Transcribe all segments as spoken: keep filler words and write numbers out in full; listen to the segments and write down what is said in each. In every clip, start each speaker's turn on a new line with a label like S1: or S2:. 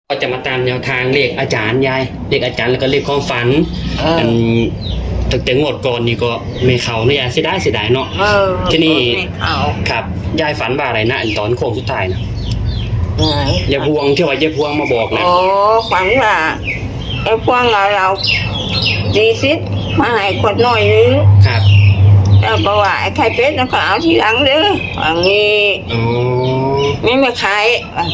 S1: ก็จะมาตามแนวทางเลขอาจารย์ยายเลขอาจารย์แล้วก็เลขความฝันอันตั้งแต่งวดก่อนนี่ก็ไม่เข้าเนาะยายเสียดายเสียดายเนาะที่นี่ครับยายฝันว่าอะไรนะอันตอนโค้งสุดท้ายนะยายพวงที่ว่ายายพวงมาบอกนะ
S2: โอ้ฝันว่าไอ้พวงเราเราดีซิดมาให้คนหน่อยนึง
S1: ครับ
S2: แล้วบอกว่าไอ้ไข่เป็ดนั่นก็เอาทีหลังเด้ออย่างนี้
S1: อ๋อ
S2: ไม่มาขาย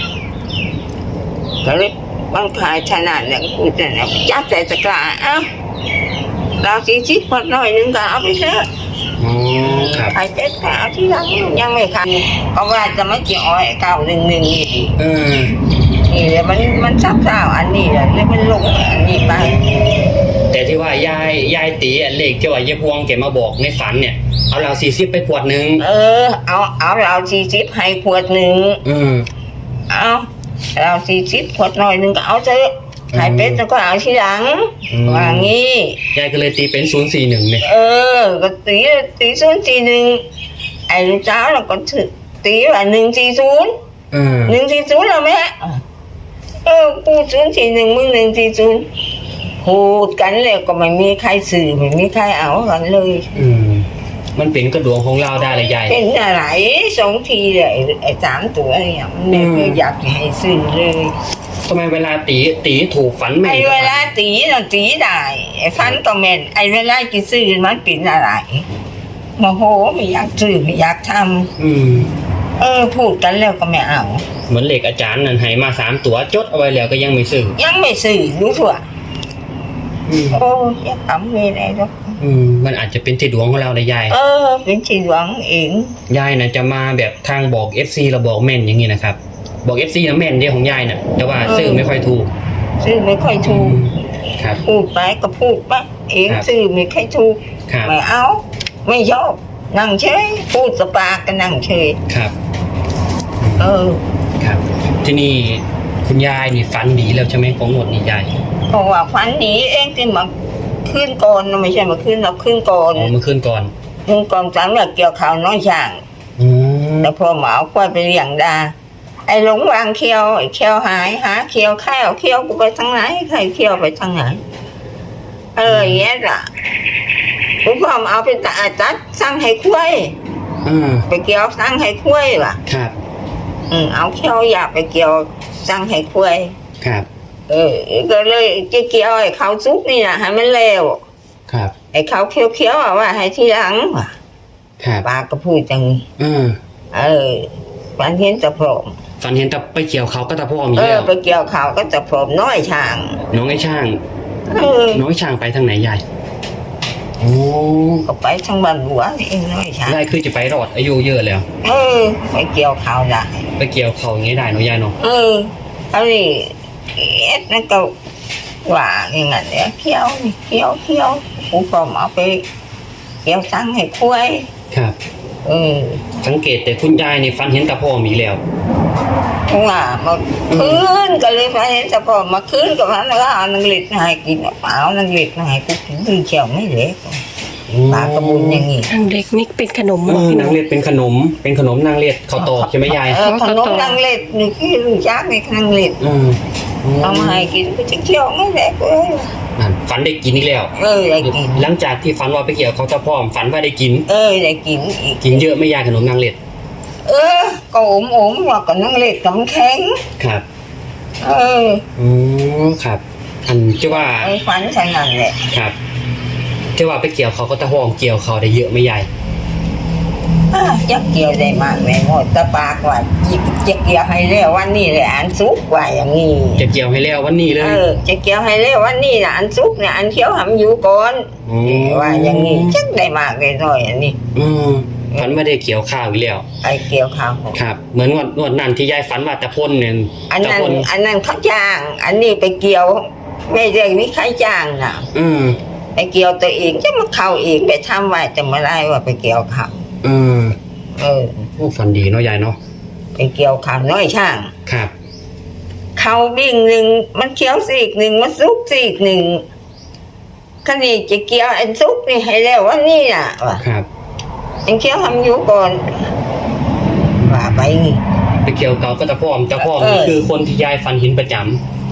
S2: ก็เลยมันขายขนาดเนี่ยกูจะเนี่ยจับแต่ตะกร้าเอ้าเราซีซิดคนหน่อยนึงก็เอาไปเถอะ
S1: อ๋อครับ
S2: ไข่เป็ดก็เอาทีหลังยังไม่ขายเพราะว่าจะไม่กี่อ้อยเก้าหนึ่งหนึ่งนี่
S1: เออ
S2: นี่เลยมันมันซับซ้าวอันนี้เลยแล้วมันลงอันนี้ไป
S1: แต่ที่ว่ายายยายตีเลขที่ว่ายายพวงแกมาบอกในฝันเนี่ยเอาเราสี่สิบไปขวดหนึ่ง
S2: เออเอาเอาเราสี่สิบให้ขวดหนึ่ง
S1: อืม
S2: เอาเราสี่สิบขวดหน่อยหนึ่งก็เอาเถอะไข่เป็ดแล้วก็เอาทีหลังว่างี้
S1: ยายก็เลยตีเป็นศูนย์สี่หนึ่งเนี่ย
S2: เออก็ตีตีศูนย์สี่หนึ่งไอ้ลูกสาวเราก็ถือตีว่าหนึ่งสี่ศูนย์หนึ่งสี่ศูนย์เราไหมเออกูศูนย์สี่หนึ่งมึงหนึ่งสี่ศูนย์พูดกันเลยก็ไม่มีใครสื่อไม่มีใครเอากันเลย
S1: อืมมันเป็นกระดวงของเราได้เลยใหญ่
S2: เป็นอะไรสองทีเลยไอ้สามตัวเนี่ยมันไม่เคยอยากให้สื่อเลย
S1: ทำไมเวลาตีตีถูกฝันแม่น
S2: ไอ้เวลาตีเราตีได้ไอ้ฝันก็แม่นไอ้เวลาจะสื่อมันเป็นอะไรโมโหไม่อยากสื่อไม่อยากทำ
S1: อืม
S2: เออพูดกันแล้วก็ไม่เอา
S1: เหมือนเหล็กอาจารย์นั่นให้มาสามตัวจดเอาไว้แล้วก็ยังไม่สื่อ
S2: ยังไม่สื่อรู้ถั่วโอ้ยทำไม่ได้หรอก
S1: อืมมันอาจจะเป็นที่ดวงของเราเลยยาย
S2: เออเป็นที่ดวงเอง
S1: ยายน่ะจะมาแบบทางบอก เอฟ ซี เราบอกแม่นอย่างนี้นะครับบอก เอฟ ซี นะแม่นเดียวของยายน่ะแต่ว่าซื้อไม่ค่อยถูก
S2: ซื้อไม่ค่อยถูก
S1: ครับ
S2: พูดไปก็พูดไปเองซื้อไม่ค่อยถูกไม่เอาไม่ชอบนั่งเฉยพูดสปาก็นั่งเฉย
S1: ครับ
S2: เออ
S1: ครับที่นี่คุณยายนี่ฝันดีแล้วใช่ไหมของหมดนี่ยาย
S2: เพราะว่าฝันดีเองที่มาขึ้นก่อนไม่ใช่มาขึ้นเราขึ้นก่อน
S1: อ๋อมาขึ้นก่อน
S2: ขึ้นก่อนจังแบบเกี่ยวข่าวน้อยช่างแต่พอหมาควายไปเลี้ยงดาไอ้หลงวางเคียวไอ้เคียวหายหาเคียวข้าวเคียวกูไปทางไหนใครเคียวไปทางไหนเอออย่างเงี้ยล่ะคุณพ่อเอาไปตัดตัดสั่งให้คุ้ยไปเกี่ยวสั่งให้คุ้ยว่ะ
S1: ครับ
S2: อืมเอาเคียวอยากไปเกี่ยวสั่งให้คุ้ย
S1: ครับ
S2: เออก็เลยจะเกี่ยวไอ้เขาซุกนี่นะให้มันเร็ว
S1: ครับ
S2: ไอ้เขาเคี้ยวเคี้ยวอ่ะว่าให้ทีหลังว่ะ
S1: ครับ
S2: ป้าก็พูดจังนี้เออฝันเห็นตะพรม
S1: ฝันเห็นตะไปเกี่ยวเขาก็ตะพรมอยู่
S2: แล้ว
S1: เอ
S2: อไปเกี่ยวเขาก็ตะพรมน้อยช่าง
S1: น้องไอ้ช่าง
S2: เออ
S1: น้อยช่างไปทางไหนยายโอ้
S2: ก็ไปทางบ้านหัวเองน้อยช่าง
S1: ได้คือจะไปรอดอายุเยอะแล้ว
S2: เออไปเกี่ยวเขาได้
S1: ไปเกี่ยวเขาอย่างนี้ได้เนาะยายเนาะ
S2: เอออันนี้เอ็ดนั่นก็ว่าอย่างนั้นเนี่ยเคี้ยวเคี้ยวเคี้ยวกูก็เอาไปเกี่ยวสั่งให้คุ้ย
S1: ครับ
S2: เออ
S1: สังเกตแต่คุณยายนี่ฟันเห็นตะพอมีแล้ว
S2: ว่ามาคืนก็เลยฟันเห็นตะพอมาคืนกับมันแล้วเอานังเล็ดให้กินเปล่านังเล็ดให้กูกินดื้อเขียวไม่เล็กปลากระบุนอย่างงี้
S3: นางเล็ดนี่เป็นขนม
S1: นางเล็ดเป็นขนมเป็นขนมนางเล็ดข้าวตอกใช่ไหมยาย
S2: ขนมนางเล็ดนี่คือลูกยักษ์ในนางเล็ดเอามาให้กินก็จะเขียวไม่เล็กเลย
S1: ฝันได้กินนี่แล้ว
S2: เออได้กิน
S1: หลังจากที่ฝันว่าไปเกี่ยวเขาจะพร้อมฝันว่าได้กิน
S2: เออได้กิน
S1: กินเยอะไม่ยายขนมนางเล็ด
S2: เออก็อมอมว่ากับนางเล็ดกับแข็ง
S1: ครับ
S2: เออ
S1: อ๋อครับอันที่ว่า
S2: ไอ้ฝันใช่นั่นแหละ
S1: ครับที่ว่าไปเกี่ยวเขาก็จะพร้อมเกี่ยวเขาได้เยอะไม่ยาย
S2: จะเกี่ยวได้มากเลยหมดตะปากว่าจะเกี่ยวให้เร็ววันนี้เลยอันซุกว่าอย่างนี้
S1: จะเกี่ยวให้เร็ววันนี้เลย
S2: เออจะเกี่ยวให้เร็ววันนี้นะอันซุกเนี่ยอันเขียวหำอยู่ก่อนว่าอย่างนี้จักได้มากเลยหน่อยอันนี้
S1: อืมฝันไม่ได้เกี่ยวข้าวอีกแล้ว
S2: ไอเกี่ยวข้าว
S1: ครับเหมือนวันวันนั้นที่ยายฝันว่าตะพ่นเนี่ย
S2: อันนั้นอันนั้นเขาจ้างอันนี้ไปเกี่ยวไม่ได้มีใครจ้างนะ
S1: อืม
S2: ไปเกี่ยวตัวเองจะมาเข้าเองไปทำไว้แต่เมื่อไรว่าไปเกี่ยวข้าว
S1: อืม
S2: เออ
S1: โอ้ฝันดีเนาะยายเนาะ
S2: ไปเกี่ยวข้าวน้อยช่าง
S1: ครับ
S2: เขาบิ่งหนึ่งมันเคี้ยวสีกหนึ่งมันซุกสีกหนึ่งขณีจะเกี่ยวไอ้ซุกนี่ให้แล้วว่านี่น่ะว่ะ
S1: ครับ
S2: ยังเคี้ยวทำอยู่ก่อนว่าไป
S1: ไปเกี่ยวเขาก็ตะพร้อมตะพร้อมคือคนที่ยายฝันเห็นประจำ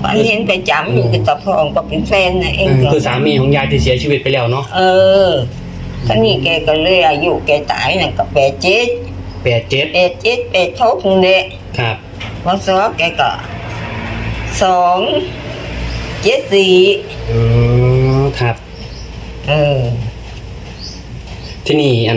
S2: ฝันเห็นไปจำอยู่กับตาพองก็เป็นแฟนนะเอง
S1: เออ
S2: ก็
S1: คือสามีของยายที่เสียชีวิตไปแล้วเนาะ
S2: เออท่านี่แกก็เลยอายุแกตายน่ะก็แปดเจ็ด
S1: แปดเจ็ด
S2: แปดเจ็ดแปดทบนี่แหละ
S1: ครับ
S2: วันสองแกก็สองเจ็ดสี่
S1: อ๋อครับ
S2: เออ
S1: ที่นี่อัน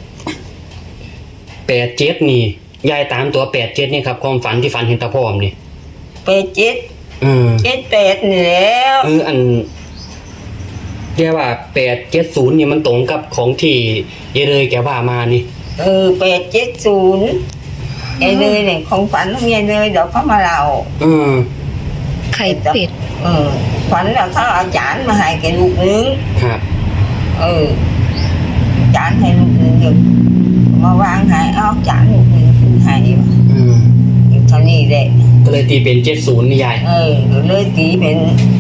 S1: แปดเจ็ดนี่ยายตามตัวแปดเจ็ดนี่ครับความฝันที่ฝันเห็นตาพร้อมนี่
S2: แปดเจ็ด
S1: เออ
S2: เจ็ดแปดนี่แล้ว
S1: เอออันเรียกว่าแปดเจ็ดศูนย์นี่มันตรงกับของที่ยายเลยแกว่ามานี่
S2: เออแปดเจ็ดศูนย์ไอ้เลยเนี่ยของฝันของยายเลยเดี๋ยวเขามาเล่า
S1: เออ
S3: ไข่เป็ด
S2: เออฝันแล้วเขาเอาจานมาให้แกลูกนึง
S1: ครับ
S2: เออจานให้ลูกนึงอยู่มาวางให้เอาจานลูกนึงขึ้นให้ว่ะ
S1: อืม
S2: อยู่เท่านี้แหละ
S1: ก็เลยตีเป็นเจ็ดศูนย์นี่ยาย
S2: เออก็เลยตีเป็น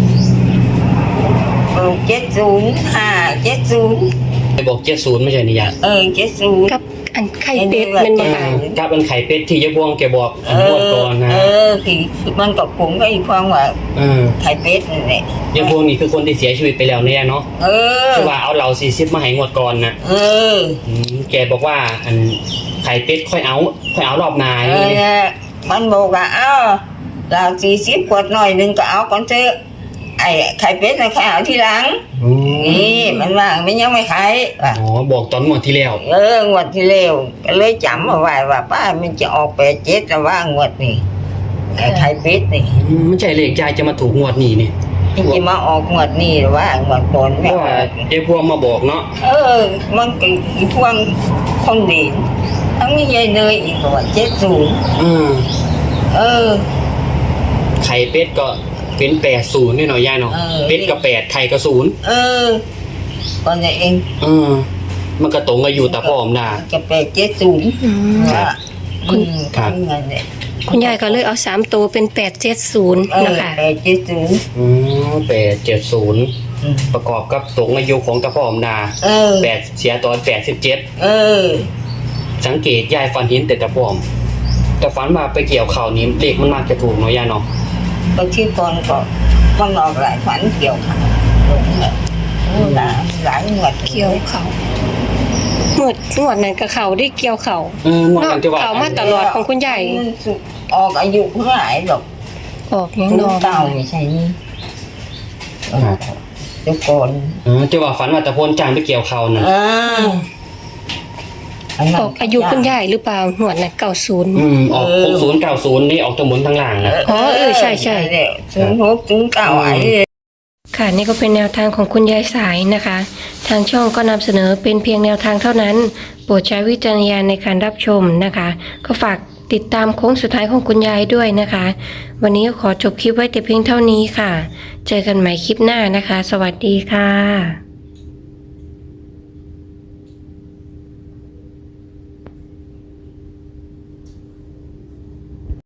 S2: เออเจ็ดศูนย์ห้าเจ็ดศูนย์
S1: ไปบอกเจ็ดศูนย์ไม่ใช่นี่ยาย
S2: เออเจ็ดศูนย์
S3: กับอันไข่เป็ดมัน
S1: เอ
S3: บ่
S1: อ
S3: ค่ะ
S1: กับเป็นไข่เป็ดที่ยายพวงแกบอก
S2: เอ
S1: งว
S2: อ
S1: ดก่อนนะ
S2: เออคือมันกับผมก็อีกความว่า
S1: เออ
S2: ไข่เป็ดนี่แหละ
S1: ยายพวงนี่คือคนที่เสียชีวิตไปแล้วเนี่ยเนาะ
S2: เออ
S1: คือว่าเอาเราสี่สิบมาให้งวดก่อนนะ
S2: เออ
S1: อืมแกบอกว่าอันไข่เป็ดค่อยเอาค่อยเอารอบนา
S2: เอ
S1: อย่าง
S2: อ
S1: นี้
S2: เนี่ยมันบอกว่าเอ้าเราสี่สิบขวดหน่อยหนึงก็เอาก่อนเถอะไอ้ไข่เป็ดนะไข่เอาทีหลัง
S1: อืม
S2: นี่มันว่ามันยังไม่ขายว่ะ
S1: อ๋อบอกตอนงวดที่แล้ว
S2: เอองวดที่เร็วก็เลยจำเอาไว้ว่าป้ามันจะออกแปดเจ็ดแต่ว่างวดนี่ไอ้ไข่เป็ดนี่
S1: อืมไม่ใช่เลขยายจะมาถูกงวดนี้นี่
S2: มันจะมาออกงวดนี่หรือว่างวดก่อน
S1: เพ
S2: แม่
S1: ราะว่ายายพวงมาบอกเนาะ
S2: เออ มันก็อีพวงคนดีทั้งนี้ยายเนยอีกว่าเจ็ดศูนย์
S1: อืม
S2: เออ
S1: ไข่เป็ดก็เป็นแปดศูนย์นี่เนาะยายเนาะ
S2: เออ
S1: เป็ดก็แปดไข่ก็ศูนย์
S2: เออตอนนี้เอง
S1: เออมันก็ตรงกับอยู่ตาพร้อมนา
S2: จะแปดเจ็ดศูนย์
S3: อืม
S1: ครับ
S2: อืม
S1: ครับ
S2: ทำงานเนี่ย
S3: คุณยายก็เลยเอาสามตัวเป็นแปดเจ็ดศูนย์
S2: เออ
S3: นะคะ
S2: แปดเจ็ดศูนย์
S1: อืมแปดเจ็ดศูนย์
S2: อืม
S1: ประกอบกับตรงอายุของตาพร้อมนา
S2: เออ
S1: แปดเสียตอนแปดสิบเจ็ด
S2: เออ
S1: สังเกตยายฟันหินแต่ตาพร้อม แต่ฝันมาไปเกี่ยวเข่านี้เลขมันมากจะถูกเนาะยายเนาะ
S2: บางทีก่อนก็ต้องออกหลายฝันเกี่ยวขาลงเลยโอ้หลายหลายงวด
S3: เกี่ยวเขาหมดงวดนั้นกับเขาได้เกี่ยวเขา
S1: เอองวดนั้นที่ว่า
S3: เขามาตลอดของคุณยาย
S2: มันสุดออกอายุเท่าไหร่หรอก
S3: ออกยัง
S2: คุณ
S3: นอน
S2: เก่าไม่ใช่นี่เออเดี๋ยวก่อน
S1: เออที่ว่าฝันว่าตะโพนจางไปเกี่ยวเข่าน่ะ
S2: อ่าอันนั้น
S3: ออกอายุคุณยายหรือเปล่าหวดนั้นเก้าศูนย์
S1: อืมออกหกศูนย์เก้าศูนย์นี่ออกทั้งบนทั้งล่างนะ
S3: อ๋อเออใช่ใช่
S2: ศูนย์หกศูนย์เก้าไอ้
S3: ค่ะนี่ก็เป็นแนวทางของคุณยายสายนะคะ ทางช่องก็นำเสนอเป็นเพียงแนวทางเท่านั้น โปรดใช้วิจารณญาณในการรับชมนะคะ ก็ฝากติดตามโค้งสุดท้ายของคุณยายด้วยนะคะ วันนี้ก็ขอจบคลิปไว้แต่เพียงเท่านี้ค่ะ เจอกันใหม่คลิปหน้านะคะ สวัสดีค่ะ